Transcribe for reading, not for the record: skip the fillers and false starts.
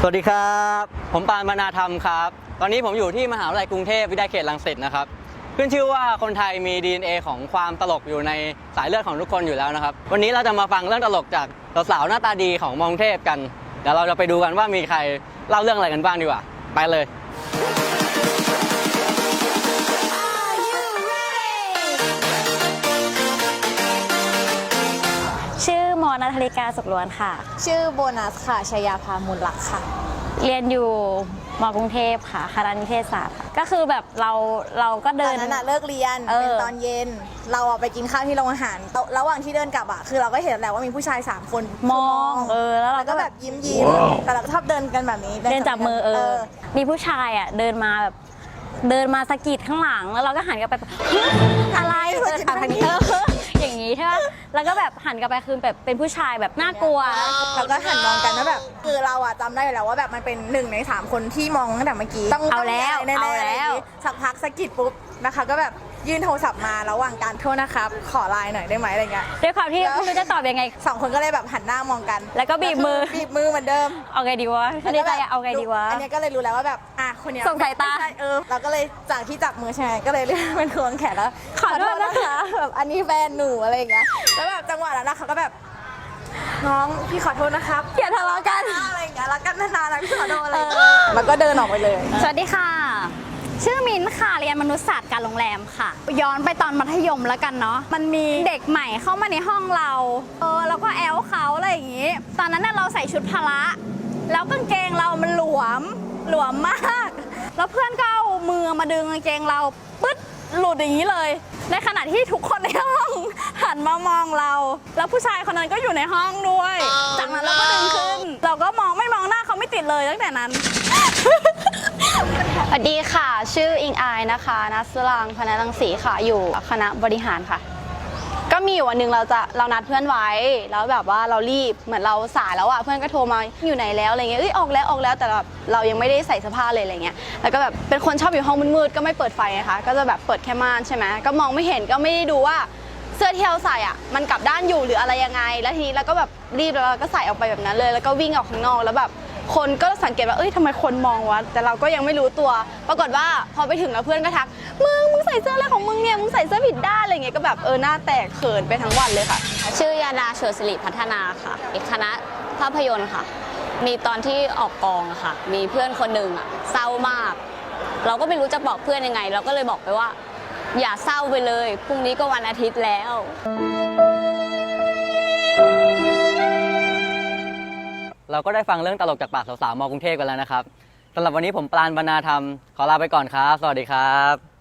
สวัสดีครับผมปานบรรณาธรรมครับตอนนี้ผมอยู่ที่มหาวิทยาลัยกรุงเทพวิทยาเขตรังสิตนะครับขึ้นชื่อว่าคนไทยมี DNA ของความตลกอยู่ในสายเลือดของทุกคนอยู่แล้วนะครับวันนี้เราจะมาฟังเรื่องตลกจากสาวๆหน้าตาดีของมอกรุงเทพกันเดี๋ยวเราจะไปดูกันว่ามีใครเล่าเรื่องอะไรกันบ้างดีกว่าไปเลยชื่อมอนัทธริกาสุขล้วนค่ะชื่อโบนัสค่ะชยาภามูลลักษ์ค่ะเรียนอยู่มกรุงเทพค่ะคณะนิเทศศาสตร์ก็คือแบบเราก็เดินตอนนั้นเลิกเรียนเป็นตอนเย็นเราไปกินข้าวที่โรงอาหารระหว่างที่เดินกลับคือเราก็เห็นแหละว่ามีผู้ชาย3คนมองแล้วเราก็แบบยิ้มแต่เราก็ชอบเดินกันแบบนี้เดินจับมือมีผู้ชายเดินมาสะกิดข้างหลังแล้วเราก็หันกลับไปอะไรทางนี้อย่างนี้ใช่ไหมแล้วก็แบบหันกลับไปคือแบบเป็นผู้ชายแบบน่ากลัวเราก็หันมองกันแล้วแบบคือเราจำได้อยู่แล้วว่าแบบมันเป็น1 ใน 3คนที่มองตั้งแต่เมื่อกี้ต้องเอาแล้วสักพักสะกิดปุ๊บนะคะก็แบบยื่นโทรศัพท์มาระหว่างการโทษนะครับขอไลน์หน่อยได้ไหมอะไรเงี้ยด้วยความที่ไม่รู้จะตอบยังไง 2 คนก็เลยแบบหันหน้ามองกันแล้วก็บีบมือเหมือนเดิมเอาไงดีวะไม่ได้ใจเอาไงดีวะอันนี้ก็เลยรู้แล้วว่าแบบคนนี้ส่งสายตาเราก็เลยจากที่จับมือใช่ไหมก็เลยเรียกเป็นควงแขนแล้วขอโทษนะคะแบบอันนี้แฟนหนูอะไรอย่างเงี้ยแล้วแบบจังหวะนั้นเขาก็แบบน้องพี่ขอโทษนะครับอย่าทะเลาะกันอะไรอย่างเงี้ยรักกันนานๆนะพี่ขอโทษอะไรแล้วก็เดินออกไปเลยสวัสดีค่ะชื่อมิ้นค่ะเรียนมนุษยศาสตร์การโรงแรมค่ะย้อนไปตอนมัธยมแล้วกันเนาะมันมีเด็กใหม่เข้ามาในห้องเราแล้วก็แอลเขาอะไรอย่างงี้ตอนนั้นเราใส่ชุดพละแล้วกางเกงเรามันหลวมมากแล้วเพื่อนก็เอามือมาดึงกางเกงเราปึ๊ดหลุดอย่างนี้เลยในขณะที่ทุกคนในห้องหันมามองเราแล้วผู้ชายคนนั้นก็อยู่ในห้องด้วยจากนั้นเราก็ดึงขึ้นเราก็ไม่มองหน้าเขาไม่ติดเลยตั้งแต่นั้นสวัสดีค่ะชื่ออิงอายนะคะนัสรางพนัสรังสีค่ะอยู่คณะบริหารค่ะก็มีวันหนึ่งเรานัดเพื่อนไว้แล้วแบบว่าเรารีบเหมือนเราสายแล้วเพื่อนก็โทรมาอยู่ไหนแล้วอะไรเงี้ยออกแล้วแต่เรายังไม่ได้ใส่เสื้อผ้าเลยอะไรเงี้ยแล้วก็แบบเป็นคนชอบอยู่ห้องมืดๆก็ไม่เปิดไฟนะคะก็จะแบบเปิดแค่ม่านใช่ไหมก็มองไม่เห็นก็ไม่ได้ดูว่าเสื้อที่เราใส่มันกลับด้านอยู่หรืออะไรยังไงแล้วทีนี้เราก็แบบรีบแล้วเราก็ใส่ออกไปแบบนั้นเลยแล้วก็วิ่งออกข้างนอกแล้วแบบคนก็สังเกตว่าทำไมคนมองวะแต่เราก็ยังไม่รู้ตัวปรากฏว่าพอไปถึงแล้วเพื่อนก็ทักมึงใส่เสื้ออะไรของมึงเนี่ยมึงใส่เสื้อผิดด้านอะไรเงี้ยก็แบบหน้าแตกเขินไปทั้งวันเลยค่ะชื่อยาดาเฉลิมศิริพัฒนาค่ะคณะภาพยนตร์ค่ะมีตอนที่ออกกองค่ะมีเพื่อนคนหนึ่งเศร้ามากเราก็ไม่รู้จะบอกเพื่อนยังไงเราก็เลยบอกไปว่าอย่าเศร้าไปเลยพรุ่งนี้ก็วันอาทิตย์แล้วเราก็ได้ฟังเรื่องตลกจากปากสาวๆมอกรุงเทพกันแล้วนะครับสำหรับวันนี้ผมปราณ บรรณาธรรมขอลาไปก่อนครับสวัสดีครับ